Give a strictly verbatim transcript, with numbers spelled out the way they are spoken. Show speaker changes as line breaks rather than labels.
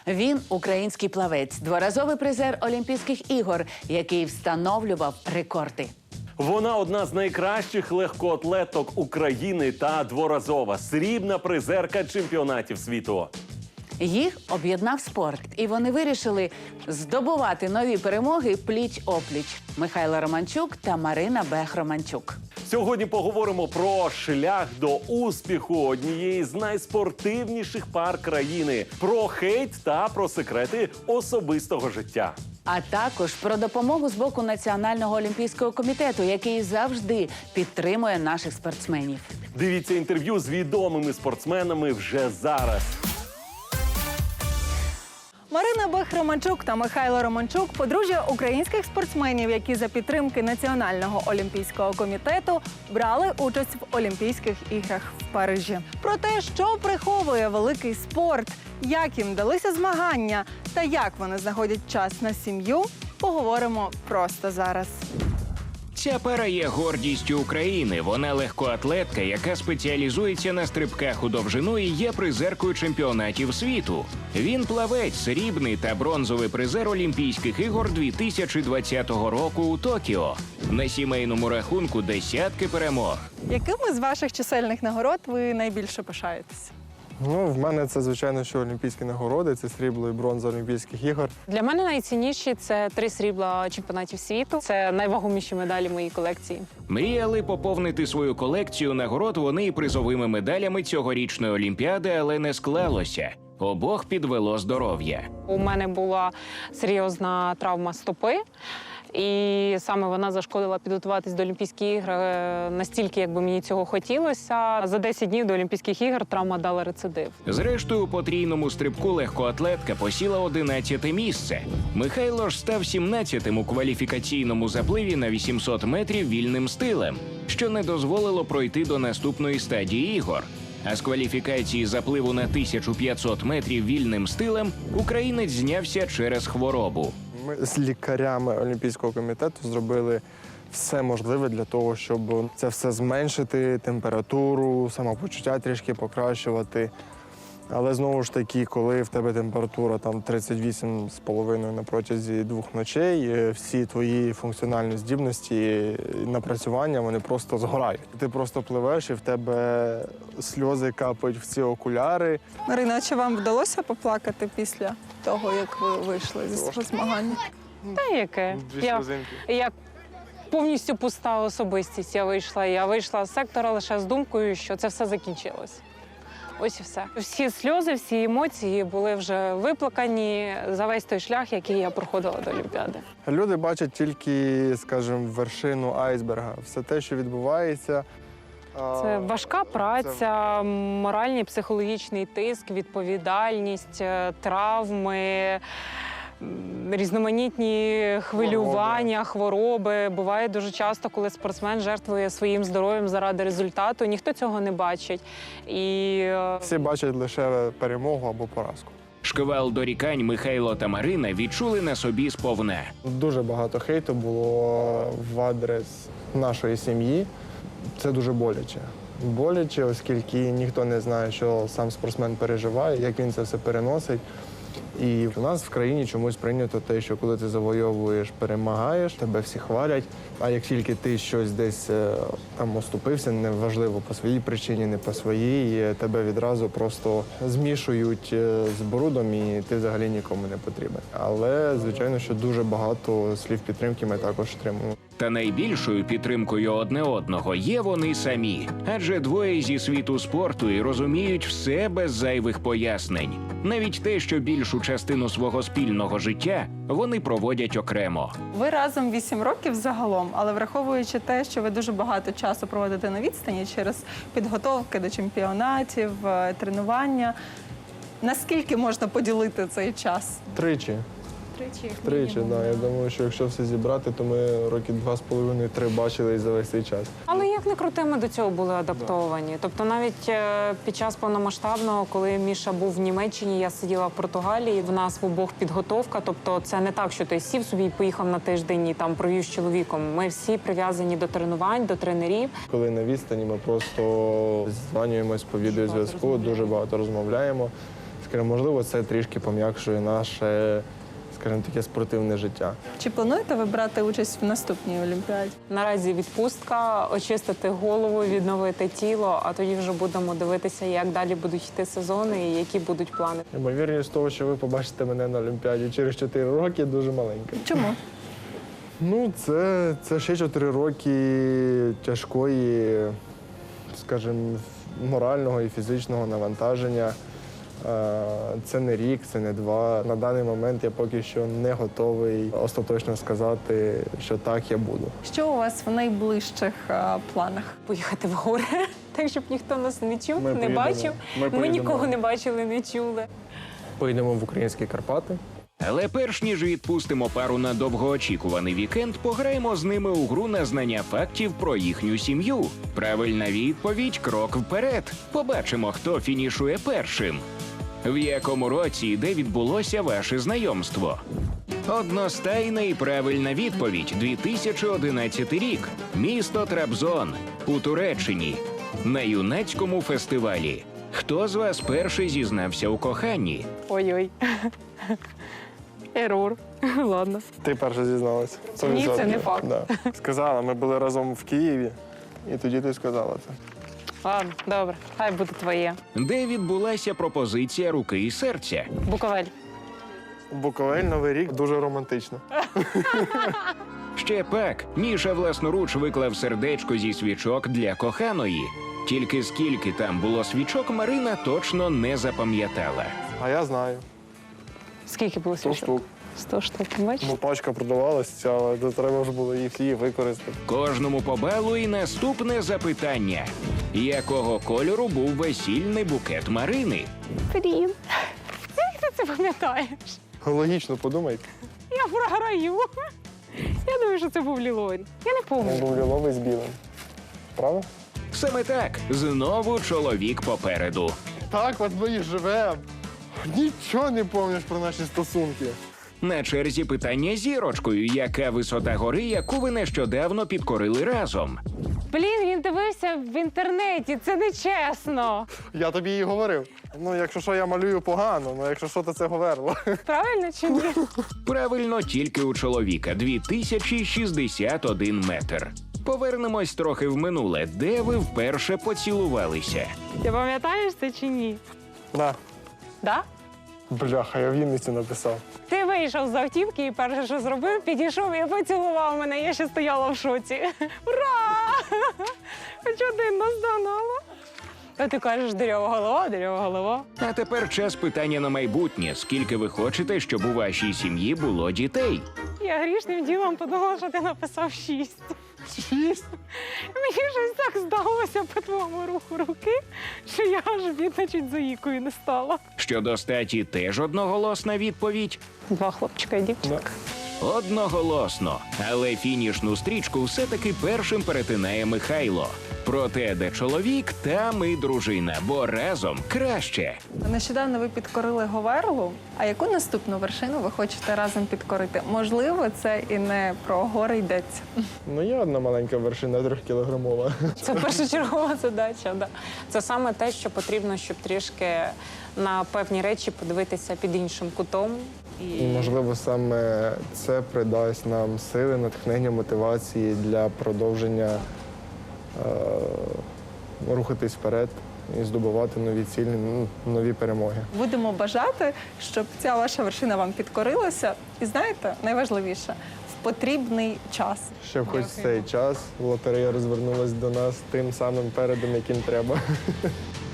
Він український плавець, дворазовий призер Олімпійських ігор, який встановлював рекорди.
Вона одна з найкращих легкоатлеток України та дворазова срібна призерка чемпіонатів світу.
Їх об'єднав спорт, і вони вирішили здобувати нові перемоги пліч-опліч. Михайло Романчук та Марина Бех-Романчук.
Сьогодні поговоримо про шлях до успіху однієї з найспортивніших пар країни, про хейт та про секрети особистого життя.
А також про допомогу з боку Національного олімпійського комітету, який завжди підтримує наших спортсменів.
Дивіться інтерв'ю з відомими спортсменами вже зараз.
Марина Бех-Романчук та Михайло Романчук – подружжя українських спортсменів, які за підтримки Національного олімпійського комітету брали участь в Олімпійських іграх в Парижі. Про те, що приховує великий спорт, як їм далися змагання та як вони знаходять час на сім'ю, поговоримо просто зараз.
Ця пара є гордістю України. Вона легкоатлетка, яка спеціалізується на стрибках у довжину і є призеркою чемпіонатів світу. Він плавець, срібний та бронзовий призер Олімпійських ігор дві тисячі двадцятого року у Токіо. На сімейному рахунку десятки перемог.
Якими з ваших чисельних нагород ви найбільше пишаєтесь?
Ну, в мене це, звичайно, що олімпійські нагороди, це срібло і бронза Олімпійських ігор.
Для мене найцінніші – це три срібла чемпіонатів світу. Це найвагоміші медалі моєї колекції.
Мріяли поповнити свою колекцію нагород вони і призовими медалями цьогорічної Олімпіади, але не склалося. Обох підвело здоров'я.
У мене була серйозна травма стопи. І саме вона зашкодила підготуватись до Олімпійських ігор настільки, як би мені цього хотілося. За десять днів до Олімпійських ігор травма дала рецидив.
Зрештою, у потрійному стрибку легкоатлетка посіла одинадцяте місце. Михайло ж став сімнадцятим у кваліфікаційному запливі на вісімсот метрів вільним стилем, що не дозволило пройти до наступної стадії ігор. А з кваліфікації запливу на тисячу п'ятсот метрів вільним стилем українець знявся через хворобу.
Ми з лікарями Олімпійського комітету зробили все можливе для того, щоб це все зменшити, температуру, самопочуття трішки покращувати. Але знову ж таки, коли в тебе температура там тридцять вісім з половиною на протязі двох ночей, всі твої функціональні здібності і напрацювання, вони просто згорають. Ти просто пливеш і в тебе сльози капають в ці окуляри.
Марина, чи вам вдалося поплакати після того, як ви вийшли зі свого змагання?
Та яке?
Дві
Я,
сльозинки.
я повністю пуста особистість. Я вийшла, я вийшла з сектора лише з думкою, що це все закінчилось. Ось і все. Всі сльози, всі емоції були вже виплакані за весь той шлях, який я проходила до Олімпіади.
Люди бачать тільки, скажімо, вершину айсберга. Все те, що відбувається.
Це важка праця, моральний, психологічний тиск, відповідальність, травми, різноманітні хвилювання, хвороби. Буває дуже часто, коли спортсмен жертвує своїм здоров'ям заради результату, ніхто цього не бачить. І
Всі бачать лише перемогу або поразку.
Шквал дорікань Михайло та Марина відчули на собі сповна.
Дуже багато хейту було в адрес нашої сім'ї. Це дуже боляче. Боляче, оскільки ніхто не знає, що сам спортсмен переживає, як він це все переносить. І в нас в країні чомусь прийнято те, що коли ти завойовуєш, перемагаєш, тебе всі хвалять. А як тільки ти щось десь там оступився, неважливо по своїй причині, не по своїй, тебе відразу просто змішують з брудом і ти взагалі нікому не потрібен. Але, звичайно, що дуже багато слів підтримки ми також отримуємо.
Та найбільшою підтримкою одне одного є вони самі. Адже двоє зі світу спорту і розуміють все без зайвих пояснень. Навіть те, що більшу частину свого спільного життя вони проводять окремо.
Ви разом вісім років загалом, але враховуючи те, що ви дуже багато часу проводите на відстані через підготовки до чемпіонатів, тренування, наскільки можна поділити цей час?
Тричі.
Тричі,
Тричі, так. Да. Я думаю, що якщо все зібрати, то ми роки два з половиною, три бачили за весь цей час.
Але як не крути, ми до цього були адаптовані. Тобто навіть е, під час повномасштабного, коли Міша був в Німеччині, я сиділа в Португалії, в нас в обох підготовка. Тобто це не так, що ти сів собі і поїхав на тиждень і там провів з чоловіком. Ми всі прив'язані до тренувань, до тренерів.
Коли на відстані, ми просто дзвонюємось по відеозв'язку, дуже багато розмовляємо. скажімо, можливо, це трішки пом'якшує наше, скажімо, таке спортивне житта.
Чи плануєте ви брати участь в наступній Олімпіаді?
Наразі відпустка, очистити голову, відновити тіло, а тоді вже будемо дивитися, як далі будуть йти сезони і які будуть плани.
Ймовірність того, що ви побачите мене на Олімпіаді через чотири роки, дуже маленька.
Чому?
Ну, це, це ще чотири роки тяжкої, скажімо, морального і фізичного навантаження. Е, Це не рік, це не два. На даний момент я поки що не готовий остаточно сказати, що так я буду.
Що у вас в найближчих е, планах?
Поїхати в гори, так, щоб ніхто нас не чув,
Ми
не
поїдемо.
бачив.
Ми
Ми
поїдемо.
нікого не бачили, не чули.
Поїдемо в українські Карпати.
Але перш ніж відпустимо пару на довгоочікуваний вікенд, пограємо з ними у гру на знання фактів про їхню сім'ю. Правильна відповідь – крок вперед. Побачимо, хто фінішує першим. В якому році і де відбулося ваше знайомство? Одностайна і правильна відповідь – дві тисячі одинадцятий рік. Місто Трабзон у Туреччині. На юнацькому фестивалі. Хто з вас перший зізнався у коханні?
Ой-ой. Ерур. Ладно.
Ти перша зізналася.
Ні, це не факт.
Да. Сказала, ми були разом в Києві, і тоді ти сказала це.
Ладно, добре. Хай буде твоє.
Де відбулася пропозиція руки і серця?
Буковель.
Буковель, Новий рік, дуже романтично.
Ще пак, Міша власноруч виклав сердечко зі свічок для коханої. Тільки скільки там було свічок, Марина точно не запам'ятала.
А я знаю.
Скільки було
сто
свічок?
штук.
Сто штук, бачиш?
Ну, пачка продавалася, але треба ж було їх всі використати.
Кожному по балу і наступне запитання. Якого кольору був весільний букет Марини?
Блін. Як ти це пам'ятаєш?
Логічно, подумайте.
Я програю. Я думаю, що це був ліловий. Я не
Він
пам'ятаю.
був ліловий з білим. Правда?
Саме так, знову чоловік попереду.
Так, от ми і живемо. Нічого не пам'ятаєш про наші стосунки.
На черзі питання зірочкою. Яка висота гори, яку ви нещодавно підкорили разом?
Блін, він дивився в інтернеті. Це не чесно.
Я тобі і говорив. Ну, якщо що, я малюю погано, ну якщо що, то це говерло.
Правильно чи ні?
Правильно, тільки у чоловіка дві тисячі шістдесят один метр. Повернемось трохи в минуле. Де ви вперше поцілувалися?
Ти пам'ятаєш це чи ні?
На.
Да?
Бляха, я в Вінниці написав.
Ти вийшов з автівки і перше, що зробив, підійшов і поцілував мене. Я ще стояла в шоці. Ура! Хоч один наздогнала. А ти кажеш, дерева голова, дерева голова.
А тепер час питання на майбутнє. Скільки ви хочете, щоб у вашій сім'ї було дітей?
Я грішним ділом подумала, що ти написав шість.
Шість?
Мені щось так здалося по твоєму руху руки, що я аж бідна чуть заїкою не стала.
Щодо статі теж одноголосна відповідь?
Два хлопчика і дівчинка.
Одноголосно. Але фінішну стрічку все-таки першим перетинає Михайло. Проте, де чоловік, там і дружина, бо разом краще.
Нещодавно ви підкорили Говерлу. А яку наступну вершину ви хочете разом підкорити? Можливо, це і не про гори йдеться.
Ну, є одна маленька вершина трьохкілограмова.
Це першочергова задача. Да. Це саме те, що потрібно, щоб трішки на певні речі подивитися під іншим кутом.
І, можливо, саме це придасть нам сили, натхнення, мотивації для продовження е- рухатись вперед і здобувати нові цілі, ну, нові перемоги.
Будемо бажати, щоб ця ваша вершина вам підкорилася. І знаєте, найважливіше в потрібний час.
Щоб хоч цей час лотерея розвернулась до нас тим самим передом, яким треба.